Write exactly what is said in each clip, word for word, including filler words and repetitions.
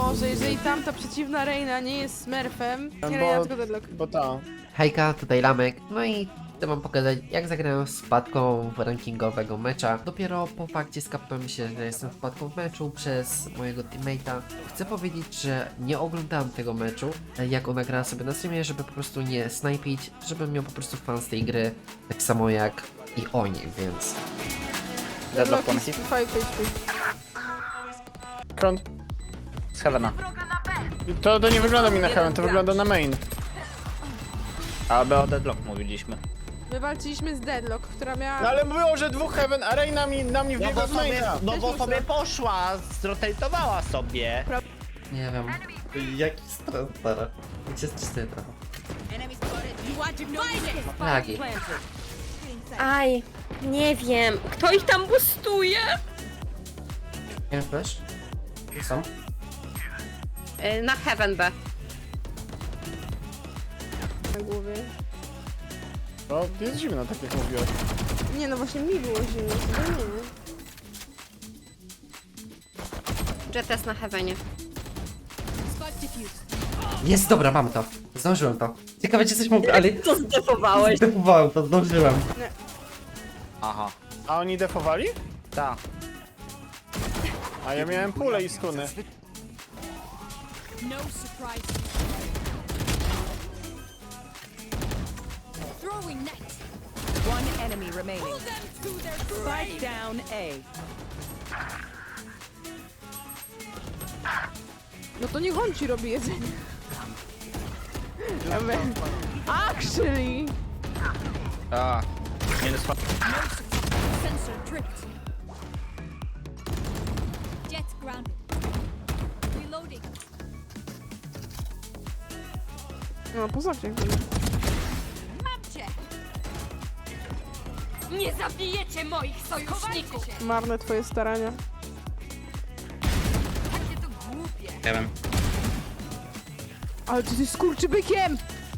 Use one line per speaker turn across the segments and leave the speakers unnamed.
może, jeżeli tamta przeciwna Reina nie jest smurfem, nie
Bo-
Reina, tylko Deadlock.
Bo ta.
Hejka, tutaj Lamek, no i chcę wam pokazać, jak zagrałem z wpadką w rankingowego mecza. Dopiero po fakcie skapnąłem się, że jestem wpadką w meczu przez mojego teammate'a. Chcę powiedzieć, że nie oglądałem tego meczu, jak ona grała sobie na streamie, żeby po prostu nie snajpić, żebym miał po prostu fan z tej gry, tak samo jak i oni, więc...
Deadlock
Deadlock
ponad
jest five H P.
Front.
z Heavena.
To, to nie wygląda mi na heaven, to wygląda na main.
Aby o Deadlock mówiliśmy.
My walczyliśmy z Deadlock, która miała...
No ale było, że dwóch heaven, a Reina mi, na mnie
No
wbiegła
bo
z
sobie,
maina.
no bo
Też
sobie
muszę.
poszła, zrotatowała sobie.
Nie wiem... Jaki stres teraz? Gdzie jest czysty trochę? Lagi.
Aj, nie wiem. Kto ich tam boostuje?
Nie flash? Gdzie są?
Y, Na Heaven B.
na głowie.
No, jest zimno, tak jak mówiłem.
Nie, no właśnie mi było zimno, sobie nie, nie.
Jet jest na Heavenie.
Jest, dobra, mam to. Zdążyłem to. Ciekawe, czy coś mógł, ale...
Co zdefowałeś?
Zdefowałem to, zdążyłem.
Aha.
A oni defowali?
Tak.
A ja miałem pulę i skuny.
No surprise. Throwing net.
One enemy remaining.
Pull them to their
Spike
grave.
down A.
No to niech on ci robi jedzenie. Ja mówię, actually!
A. Minus fa-
Sensor tripped. Jet grounded. Reloading.
No, poza cię.
Mam cię.
Nie zabijecie moich sojuszników!
Marne twoje starania.
Takie to głupie.
Heaven.
Ale ty jesteś skurczybykiem!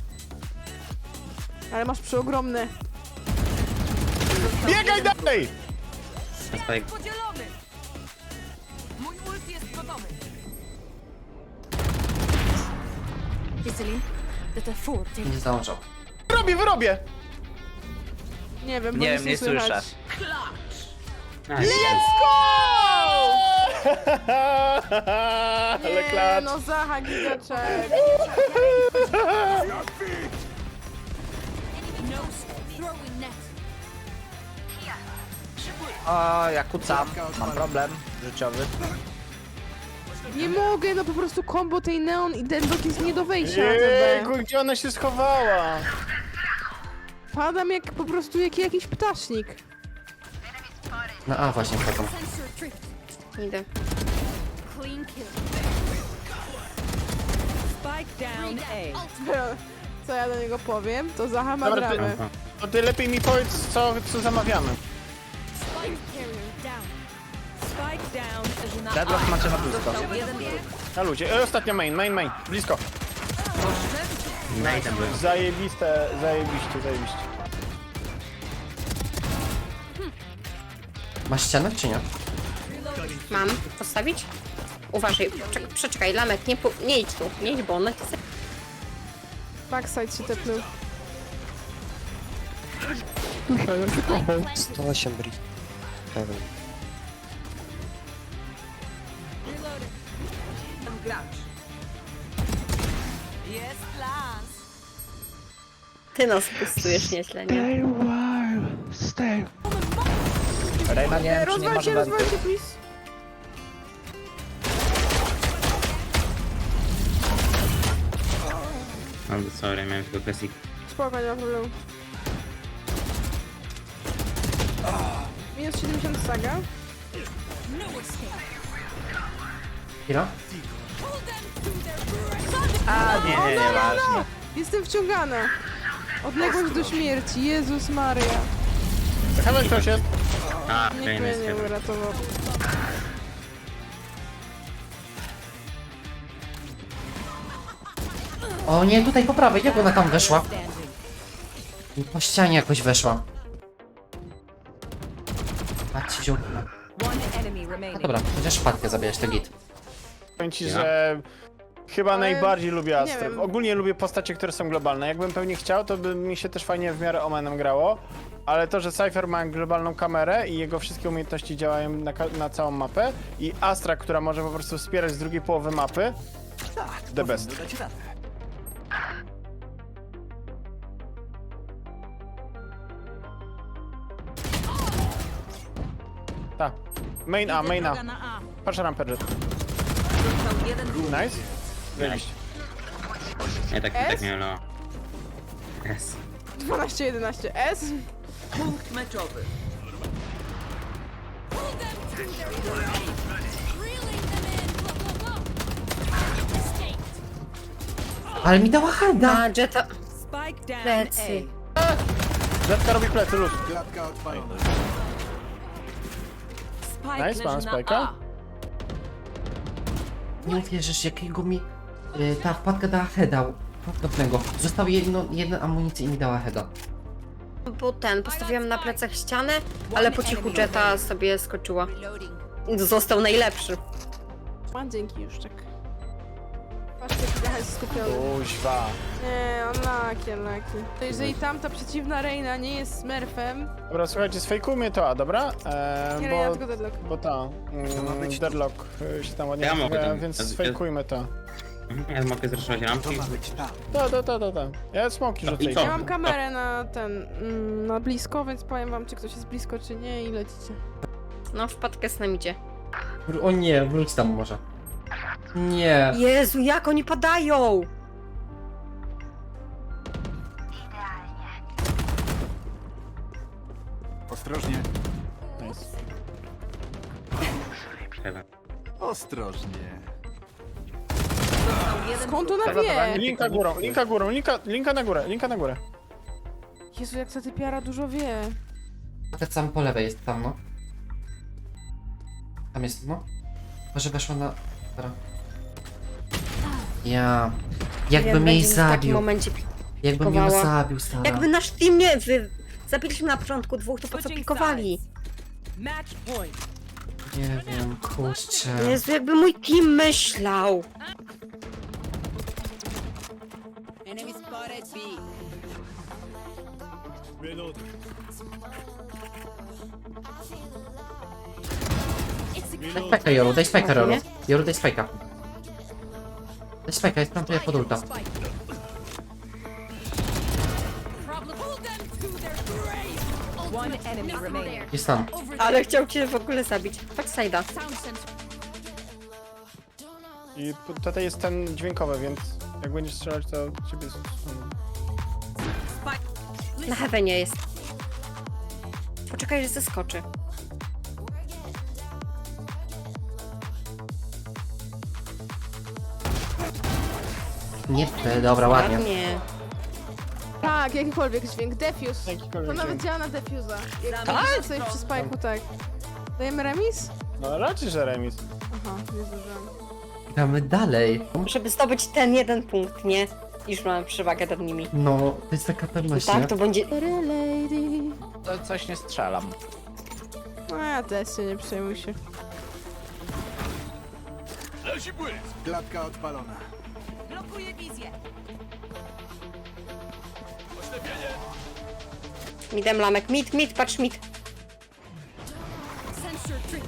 Ale masz przeogromne.
Biegaj dalej!
Podzielony. Mój ult jest gotowy. Iselin, the T cztery.
Nie zdążą.
Wyrobię, wyrobię!
Nie wiem, bo
Nie
nic
wiem, nie
słychać.
słyszę.
Let's go! Ale
Nie,
klacz.
no Zaha gigaczek.
No throwing net.
O, ja kucam. Mam problem życiowy.
Nie mogę, no po prostu kombo tej Neon i Deadlock jest nie do wejścia na T
Jejku, gdzie ona się schowała?
B. Padam jak po prostu jak jakiś ptasznik.
No a właśnie wchodzą.
Sensor tripped.
Idę.
Clean kill.
Spike down A.
Co ja do niego powiem, to Zaha ma
Dobra, ty-
dramę.
To ty lepiej mi powiedz, co, co zamawiamy.
Spike carrier down.
Spike down na
Deadlock macie na blisko.
Został jeden wróg.
Na ludzie. E, ostatnio main, main, main. Blisko. Zajebiste, zajebiście, zajebiście.
Masz ścianę, czy nie?
Mam. Postawić? Uważaj. Czek- przeczekaj, Lamek, nie, pu- nie idź tu. Nie idź, bo ona chce.
Backside się tepnął.
sto osiem bri. Heaven.
Reloaded.
Gracz. Jest las.
Ty nas boostujesz nieźle, nie?
Reina nie wiem, czy nie
Rozwal
ma
się, rozwal
wenty.
się, please.
I'm sorry, miałem tylko kwestię.
Spoko, nie ma problemu. Minus siedemdziesiąt saga.
No escape.
Chwila?
Pull them to their grave.
A, nie, nie, nie, ważne.
Jestem wciągana. Odległość do śmierci. Jezus Maria.
Heaven ktoś jest?
A,
Nikt
fajny
mnie
jest
nie
chyba.
uratował.
O nie, tutaj po prawej, jak ona tam weszła? Po ścianie jakoś weszła. Patrzcie, ziół.
One enemy
No
remaining.
dobra, chociaż wpadkę zabijać, to git.
Powiem ci,
Ja?
że chyba
Ale
najbardziej lubię
nie
Astrę.
wiem.
Ogólnie lubię postacie, które są globalne. Jakbym pewnie chciał, to by mi się też fajnie w miarę Omenem grało. Ale to, że Cypher ma globalną kamerę i jego wszystkie umiejętności działają na, ka- na całą mapę i Astra, która może po prostu wspierać z drugiej połowy mapy, the best. Tak. Main A, main A. Patrz rampę jet.
Został jeden
Nice. Zajebiście.
Ja tak,
S?
tak miałem no. S.
dwanaście jedenaście S.
punkt meczowy.
Pull them to their grave. Reeling them in. Go, go, go. Escaped.
Ale mi dała hada!
Na Jetta.
Spike down
Plecy.
A.
Jetka robi plecy, luz.
Spike
Nice, mam
leży na
spike'a.
A.
Nie uwierzysz, jakiego mi y, ta wpadka dała heada. Podobnego. Zostało jedno, jedna amunicja i mi dała heada.
Bo ten, postawiłam na plecach ścianę, ale po cichu Jetta sobie skoczyła. Został najlepszy.
A, dzięki już, czek. Patrzcie, jaki trochę jest skupiony.
Kuźwa.
Nie, on laki, laki. To jeżeli tamta przeciwna Reina nie jest smurfem,
Dobra, słuchajcie, sfejkujmy to A, dobra? Eee,
nie Reina,
bo,
tylko Deadlock.
bo ta, mm, Deadlock y, się tam ładnie
Ja mogę
nazywa,
tam-
więc
ja-
sfejkujmy to.
Mhm, Ja mogę zraszować rampki.
Da, da, da, da, da. Ja smoki rzucę.
I co?
Ja mam kamerę na ten, mm, na blisko, więc powiem wam, czy ktoś jest blisko, czy nie i lecicie.
No, wpadkę z nami idzie.
O nie, wróć tam może. Nie.
Jezu, jak oni padają!
Ostrożnie.
Nice.
Heaven.
Ostrożnie.
Został jeden
Skąd ona
Dobra, dobra,
wie?
linka górą, linka górą, linka, linka na górę, linka na górę.
Jezu, jak ta typiara dużo wie.
Te sam po lewej jest tam, no. Tam jest, no. Może weszła na... Dobra. Ja... Jakbym
Wiem,
jej
będzie mi w takim
zabił.
momencie
Jakbym ją
pikowała.
zabił, stara.
Jakby nasz team nie... Wy... Zabiliśmy na początku dwóch, to po co
Switching
pikowali?
sides. Match point.
Nie wiem, kurczę.
Jezu, jakby mój team myślał.
Daj spajka, Joru, daj spajka, Joru. Joru, daj spajka. Daj spajka, jest tam pod ulta.
Problem. Pull them to their grave.
One enemy remaining.
Jest tam.
Over
Ale chciał cię w ogóle zabić. Backside'a.
sound sensor.
I p- tutaj jest ten dźwiękowy, więc jak będziesz strzelać, to ciebie... s-
Na heavenie jest. Poczekaj, że zeskoczy.
Nie, e, dobra, ładnie.
Ładnie.
Tak, jakikolwiek dźwięk. Defuse.
Jakikolwiek
To nawet
dźwięk.
działa na defuza. Jak
Tak?
tak? sobie przy spajku, tak. Dajemy remis?
No raczej, że remis.
Aha, nie zdążyłam.
Gramy dalej.
Żeby zdobyć ten jeden punkt, nie? Już mamy przewagę nad nimi.
No, to jest taka pewność, nie?
Tak, to będzie...
Lady.
To coś nie strzelam.
No ja też się nie przejmuj się.
Klatka odpalona.
Blokuję wizję.
Midem lamek. Mid, mid, patrz mid.
Sensor trigger.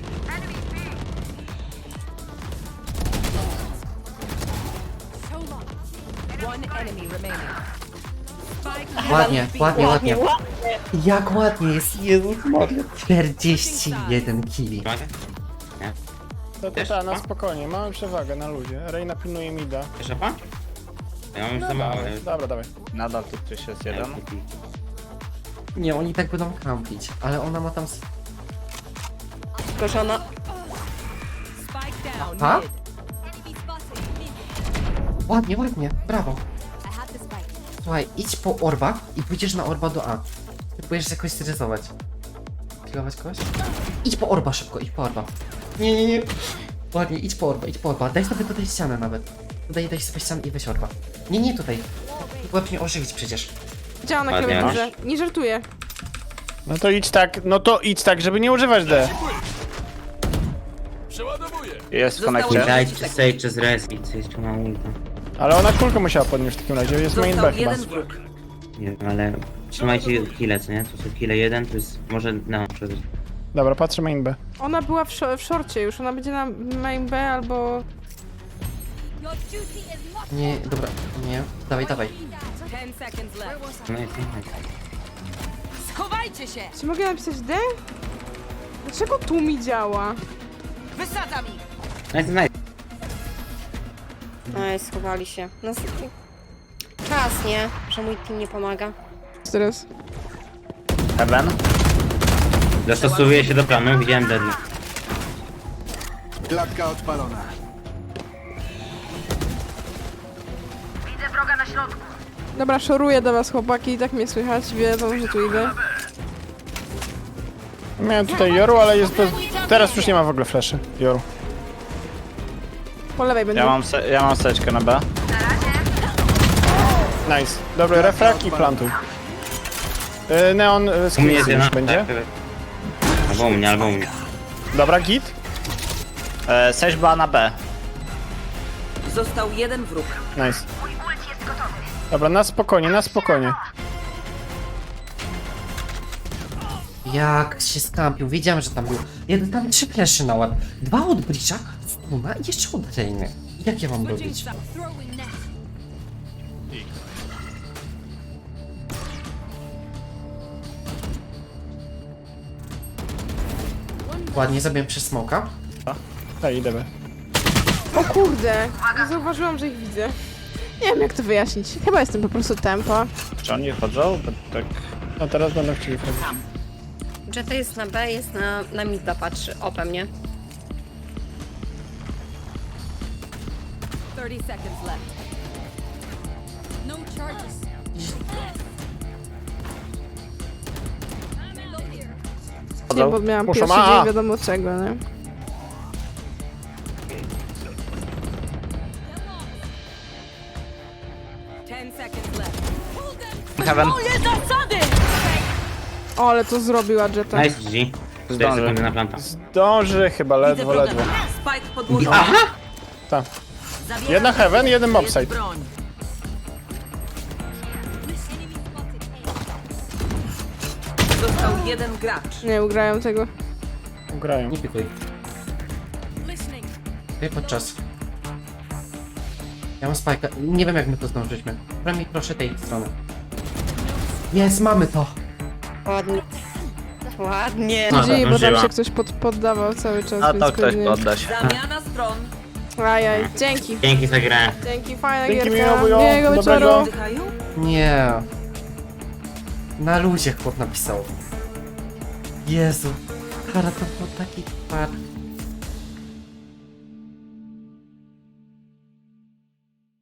So long.
One enemy remaining. Spike
Ładnie, ładnie, ładnie.
ładnie.
Jak ładnie jest, Jezus Maria. czterdzieści jeden kili.
Uwaga. Nie.
To to
Też?
ta, na
A?
spokojnie, mamy przewagę na ludzie. Reina pilnuje mida.
Jeszcze pan? Ja mam już za mało.
Dobra, dobra, dawaj.
Nadal tu ktoś jest jeden.
Nie, oni tak będą kampić, ale ona ma tam... s-
Tylko, że ona...
Spike down.
Ha?
Mid.
Enemy spotted. Mid.
Ładnie, ładnie, brawo.
I have the spike.
Słuchaj, idź po orba i pójdziesz na orba do A. Ty pójdziesz jakoś stresować. Kilować kogoś? Idź po orba szybko, idź po orba. Nie, nie, nie. Ładnie, idź po orba, idź po orba. Daj sobie tutaj ścianę nawet. Tutaj daj sobie ścianę i weź orba. Nie, nie tutaj. Łeb mnie ożywić przecież.
Działa na
Ładnie,
klawiaturze. Nie żartuję.
No to idź tak, no to idź tak, żeby nie używać D.
Przeładowuję.
Jest w
Zostało
konekcie.
Dajcie Sage z res i coś tu na ulta.
Ale ona kulkę musiała podnieść w takim razie, jest main
Został
B chyba.
jeden wróg.
Nie wiem, ale trzymajcie kile, co nie? To są kile jeden, to jest może no, przeżyć.
Dobra, patrzę main B.
Ona była w, szo- w szorcie już, ona będzie na main B albo...
Your duty is not
Nie, dobra, nie. Dawaj, dawaj.
Ten seconds left.
No jest, no jest.
Schowajcie się!
Czy mogę napisać D? Dlaczego tu mi działa?
Wysadzam ich!
Nice, nice.
Ej, schowali się. No, czas, nie? Że mój team nie pomaga.
Teraz.
Heaven.
Dostosowuję się do planu, widziałem deadly.
Klatka odpalona.
Dobra, szoruję do was chłopaki, i tak mnie słychać, wiedzą, że tu idę.
Miałem tutaj Joru, ale jest bez... Teraz już nie ma w ogóle fleszy. Joru.
Po lewej będzie.
Ja mam, se ja mam seczkę na B.
Nice. Dobry refrak i plantuj. Yy, Neon yy,
U mnie
screen
jest
już
jedna.
będzie.
Albo u mnie, albo u mnie.
Dobra, git.
E, Sage była na B.
Został jeden wróg.
Nice. Dobra, na spokojnie, na spokojnie.
Jak się skampił, wiedziałem, że tam był. Jeden tam trzy fleszy na łeb. Dwa od Bridge'a, stuna i jeszcze od Reiny. Jak ja mam robić?
throwing net.
Ładnie zabiłem przez smoka.
Tak, idę B.
O kurde, nie zauważyłam, że ich widzę. Nie wiem jak to wyjaśnić. Chyba jestem po prostu tempa.
Czy oni chodzą? Bo tak...
No teraz będą chcieli wchodzić.
Jetta jest na B, jest na, na mida, patrzy opę mnie.
thirty seconds left.
No charges.
Nie, bo miałam
Muszą,
pierwszy
a.
dzień wiadomo czego, nie?
ten seconds left.
Heaven.
O, ale to zrobiła Jetta.
Nice, G G. cztery
Zdąży.
sekundy na planta.
Zdąży chyba, ledwo, ledwo.
Spike podłożony.
Aha!
Tak.
Zabieram
Jedna heaven, jeden
jest
mobsite.
broń. Został jeden gracz.
Nie ugrają tego.
Grają.
Nie pikuj. Ty podczas. Ja mam spajka. Nie wiem jak my to zdążyliśmy. Przynajmniej proszę tej strony. Jest, mamy to!
Ładnie. Ładnie.
No,
Dzieje, bo tam
zdążyła.
się ktoś pod, poddawał cały czas,
A
więc
to ktoś
pewnie...
podda się.
Zamiana stron.
Ajaj, dzięki.
Dzięki za grę.
Dzięki, fajna
Dzięki,
gierka.
miło było.
Miłego
Dobrego.
wieczoru.
Oddychają?
Nie. Na luzie chłop napisał. Jezu. Kara to był taki par.